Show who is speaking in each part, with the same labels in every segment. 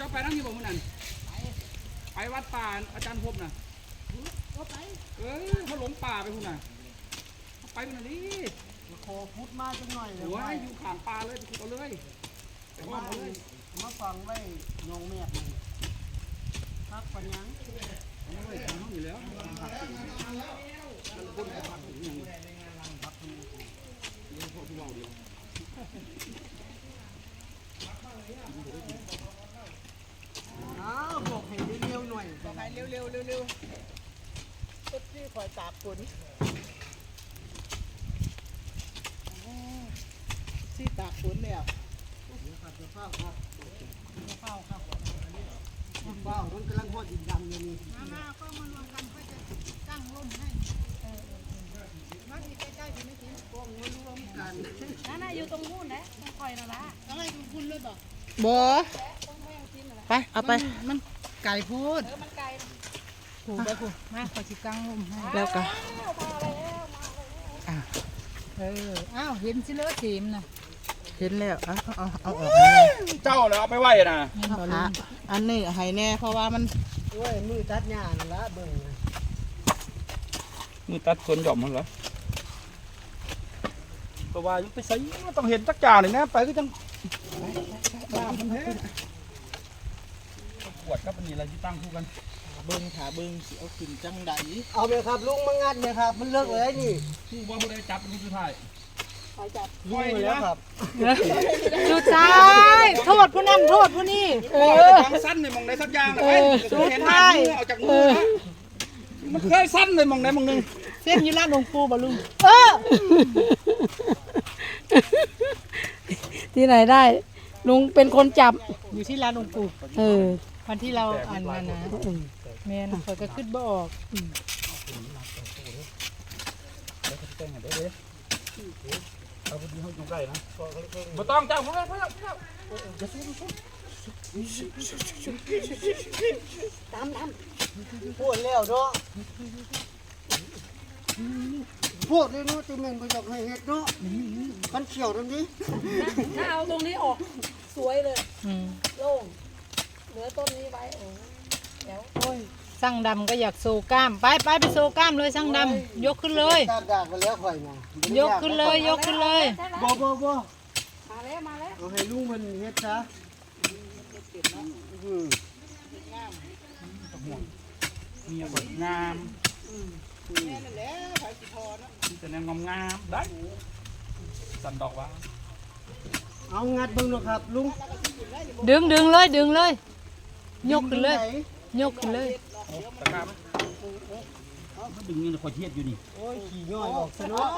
Speaker 1: จ้าไปนั่งอยู่บ่มื้อนั้นไปวัดป่าอาจารย์พบน่ะเขาหลงป่าไปพุ่นน่ะไปพุ่นน่ะนี่
Speaker 2: ขอพุทธมาจังหน่อยเลย
Speaker 1: ว่าอยู่ข้างป่าเลยไปขุดเอาเลยไปว่าเอาเลย
Speaker 2: มาฟังไว้ยองแม่นี่พักปัญญัง
Speaker 1: เอาไว้ทำห้องอยู่แล้วผักมันคนผักอย่างผักเลี้ยงพ่อผู้เบาเดียว
Speaker 2: บอกให้เร็วๆหน่อยบอกให้เร็วตุ๊ดที่คอยตากฝนที่ตากฝนแล้วครับจะเฝ้าครับจะเฝ้าครับเฝ้ามันกำลังพอดินดำอยู่นี่มาก็มารวมกันเพื่อจะตั้งร่มให้มาที่ใกล้ๆที่ไม่ถึงกองมารวมกัน
Speaker 3: นั่นอยู่ตรงนู้นนะตรงคอยนั่นละ
Speaker 2: อะไรของคุณเลยบอก
Speaker 4: บ่ไปเอาไป
Speaker 2: มันไก่พูด
Speaker 3: มันไกล
Speaker 2: ผูกไปผูกมาขอจิกังร่มให้
Speaker 4: แล้วก็
Speaker 2: อ้าวเห็นสิเลือดทีมนะ
Speaker 4: เห็นแล้วเอาออก
Speaker 1: เจ้าแล้วเอาไปไว้น่ะ
Speaker 4: อันนี้ให้แน่เพราะว่ามัน
Speaker 2: โอ้ยมือตัดหญ้านั่นละเบิ่ง
Speaker 1: มือตัดสวนหย่อมมันเหรอก็ว่ายังไปใส่ต้องเห็นจักจ่าเลยนะไปก็จังลามันแท้ปวดครับอันนี้อะไรที่ตั้งคู่กัน
Speaker 4: เบิ้งขาเบิ้งสิเอาขึ้นจังได
Speaker 2: เอาเลยครับลุงมางัดเลยครับมันเลิกเลยนี่
Speaker 1: คู่ว่าผู้ใดจับเป็นผู้สุดท้าย
Speaker 2: ใครจับลุงเลยครับ
Speaker 4: สุดท้ายโทษผู้นั้นโทษผู้นี้
Speaker 1: มันสั้นเลยมองได้สักอย่างเลยสุดท้ายเอาจากมือมันเคยสั้นเลยมองได้มองนึง
Speaker 4: เส้นยี่ร้านหลวงปู่บ่ลุงที่ไหนได้ลุงเป็นคนจับ
Speaker 2: อยู่ที่ร้านหลวงปู่วันที่เราอ่านมานะแม่นเปิดก็ขึ้นบ่ออก
Speaker 1: เอาพอดีเขาอยู่ใกล้นะบ่ต้องเจ้าเพื่อน
Speaker 2: ตามพูดแล้วเนาะพูดเลยเนาะที่แม่นบ่อยากให้เฮ็ดเนาะมันเขียวตรงนี้
Speaker 3: ถ้าเอาตรงนี้ออกสวยเลยโล่งเหลือต้นนี้ไว้เดี๋ยว
Speaker 4: โอ้ยสั่งดำก็อยากโซกล้ามไปโซกล้ามเลยสั่งดำยกขึ้นเลย
Speaker 2: ดากไปแล้วข่อยนะ
Speaker 4: ยกขึ้นเลย
Speaker 2: บ่
Speaker 3: มาแล้ว
Speaker 2: เอาให้ลุงมันเฮ็ดซะ
Speaker 1: มีบทงาม
Speaker 2: แม่นั่นแหละไผสิพอเนาะ
Speaker 1: มีแต่แนวงามได้สันดอกว่า
Speaker 2: เอางัดเบิ่งเนาะครับลุง
Speaker 4: ดึงเลยยกขึ้นเลย
Speaker 1: ตะกร้าไหมเขาดึงเงินคอยเทียดอยู่นี่
Speaker 2: โอ้ยขี่ย่อยออกซะเนาะ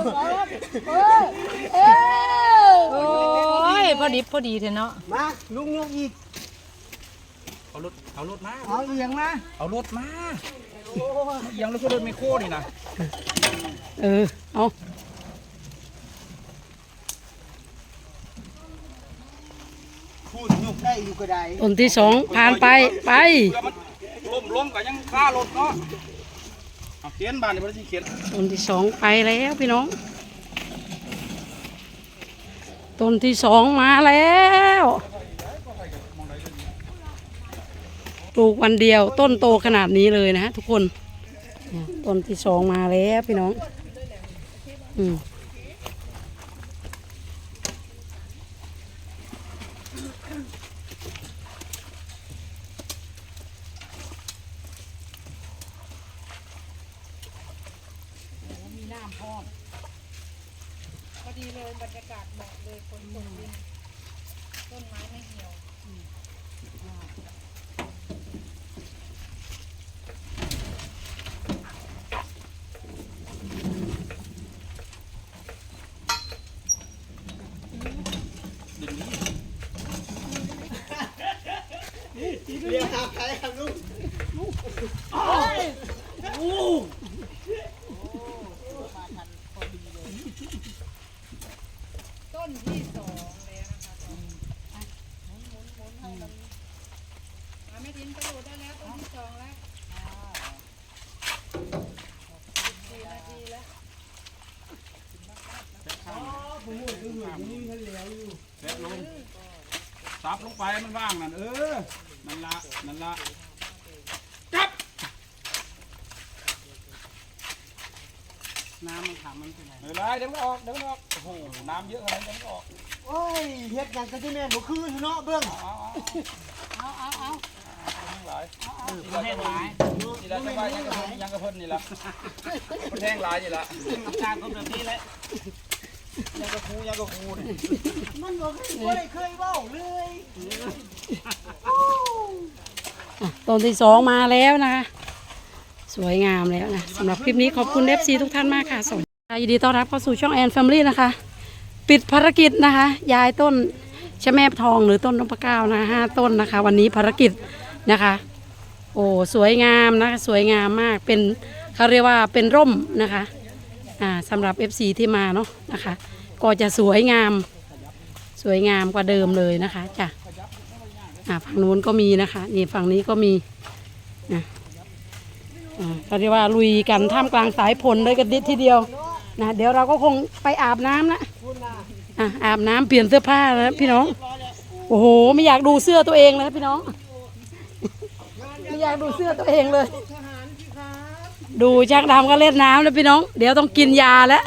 Speaker 4: โอ้ยพอดีเถอะเนาะ
Speaker 2: มาลุงยกอีก
Speaker 1: เอารถมา
Speaker 2: เอาเอียงมา
Speaker 1: เอารถมาเอียงแล้วก็รถไมโครนี่นะ
Speaker 4: เอา
Speaker 2: พูดยกได้อยู่ก็ได้
Speaker 4: ต้นที่2ผ่านไป
Speaker 1: ล้มก็ยังฆ่ารถเนาะเขียนบ้านนี่บ่ได้เขียน
Speaker 4: ต้นที่2ไปแล้วพี่น้องต้นที่2มาแล้วปลูกวันเดียวต้นโตขนาดนี้เลยนะฮะทุกคนต้นที่2มาแล้วพี่น้อง
Speaker 3: พอดีเลยบรรยากาศเหมาะเลยคนตกดินต้นไม้ไม่เหี่ยว
Speaker 2: เรียกหาใครครับลุง
Speaker 3: ต้นที่2แล้วนะคะหมุนให้มันไม่ทิ้งกระโดดได้แล้วต้นที่2แล้ว4 นาทีแล้ว
Speaker 2: ผมหมดอยู่นี่มันเหลวอยู่
Speaker 1: แล้วลงซับลงไปมันว่างนั่นนั่นละจับน้ำมันขังมันเป็นไงไม่เป็นไรเดี๋ยวมันออกโอ้โหน้ำเยอะขนาดนี้เดี๋ยวมันออก
Speaker 2: โอ้ยเฮ็ดอย่างกะที่แม่นบ่คืออยู่เนาะเบิ่ง
Speaker 1: หลายแห้งหลายนี่ละจะไปยังกระเพิ่นนี่ละมันแห้งหลายนี่ละอาการก็แบบนี้แหละยังกระคูนี่
Speaker 2: มันบ่เคยเว้าเลย
Speaker 4: ต้นที่สองมาแล้วนะคะสวยงามแล้วนะสำหรับคลิปนี้ขอบคุณ FC ทุกท่านมากค่ะสวัสดีค่ะยินดีต้อนรับเข้าสู่ช่องแอนแฟมิลี่นะคะปิดภารกิจนะคะย้ายต้นชะแมบทองหรือต้นนพเก้านะ5 ต้นนะคะวันนี้ภารกิจนะคะโอ้สวยงามนะคะสวยงามมากเป็นเขาเรียกว่าเป็นร่มนะคะสำหรับ FC ที่มาเนาะนะคะก็จะสวยงามกว่าเดิมเลยนะคะจ้ะฝั่งนู้นก็มีนะคะนี่ฝั่งนี้ก็มีเขาเรียกว่าลุยกันท่ามกลางสายฝนเลยกันดิทีเดียวนะเดี๋ยวเราก็คงไปอาบน้ำนะอาบน้ำเปลี่ยนเสื้อผ้าแล้วพี่น้องโอ้โหไม่อยากดูเสื้อตัวเองเลยพี่น้องไม่อยากดูเสื้อตัวเองเลยดูช่างดำก็เล่นน้ำแล้วพี่น้องเดี๋ยวต้องกินยาแล้ว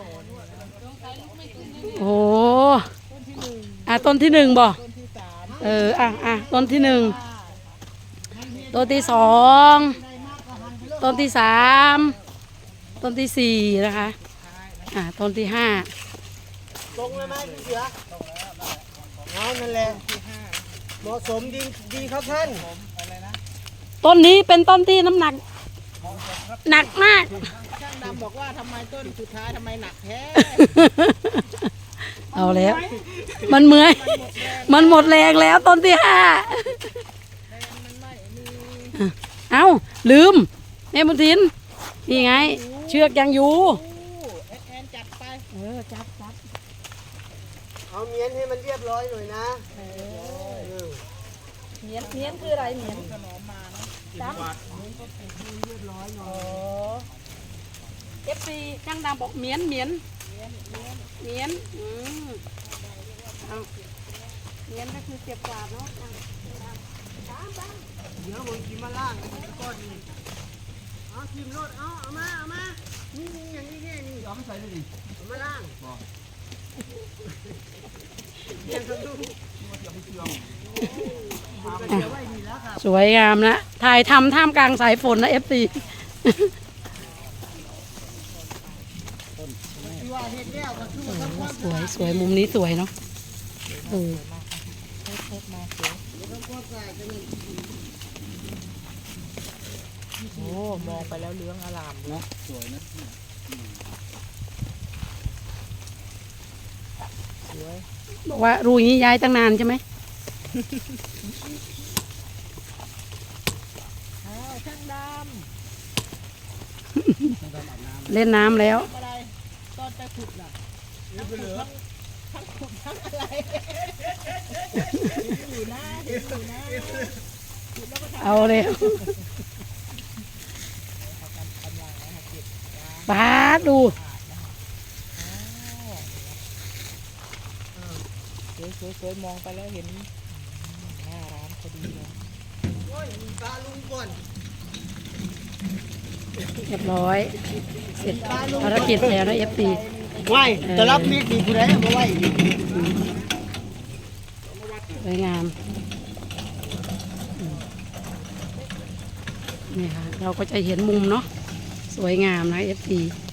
Speaker 4: โอ้โหต้นที่หนึ่งบ่ต้นที่หนึ่งต้นที่สองต้นที่สามต้นที่สี่นะคะต้นที่ห้า
Speaker 2: ตรงเลยไหมพี่เสือเอานั่นแหละเหมาะสมดีครับท่าน
Speaker 4: ต้นนี้เป็นต้นที่น้ำหนักหนักมาก
Speaker 2: ช่างดำบอกว่าทำไมต้นสุดท้ายทำไมหนักแท้
Speaker 4: เอาแล้วมันเมื่อยมันหมดแรงแล้วต้นที่ห้าเอาลืมแม่บุญทินนี่ไงเชือกยังอยู่
Speaker 2: แอนจัดไป
Speaker 4: จับ
Speaker 2: เอาเมียนให้มันเรียบร้อยหน่อยนะ
Speaker 4: เหมียนคืออะไรเหมียน
Speaker 2: ขนมมาเนาะ
Speaker 4: จับFC ช่างดำบอกเหมียนเอาเหมียนก็คือเก็บกวาดเนาะ
Speaker 2: เดี๋ยวผมกินมาล่างก้อนนี้เอากินรถเอามานี่อย่างนี้เนี่ยนี่
Speaker 1: เอาไม่ใส่เลยดิ
Speaker 2: เอามาล่าง
Speaker 4: สวยงามนะถ่ายทำท่ามกลางสายฝนนะ FC สวยมุมนี้สวยเนาะ
Speaker 2: โอ้มองไปแล้วเหลืองอลาม
Speaker 1: เนาะสวยนะ
Speaker 4: บอกว่ารูอย่างนี้ย้ายตั้งนานใช่ไหม
Speaker 2: ช่างดำ
Speaker 4: เล่นน้ำแล้ว
Speaker 2: อะไรตอนไปขุดน่ะทั้งขุดทั้งอะไรอยู่นะ
Speaker 4: เอาเลยบาสดู
Speaker 2: สวยมองไปแล้วเห็นหน้าร้านพอดีเลยโอ้ยมีปลาลุงก่อน
Speaker 4: เรียบร้อยเสร็จภารกิจแล้วนะ FC
Speaker 2: ไหวจะรับมีดดีผู้ใดมาไหว
Speaker 4: สวยงามนี่ค่ะเราก็จะเห็นมุมเนาะสวยงามนะ FC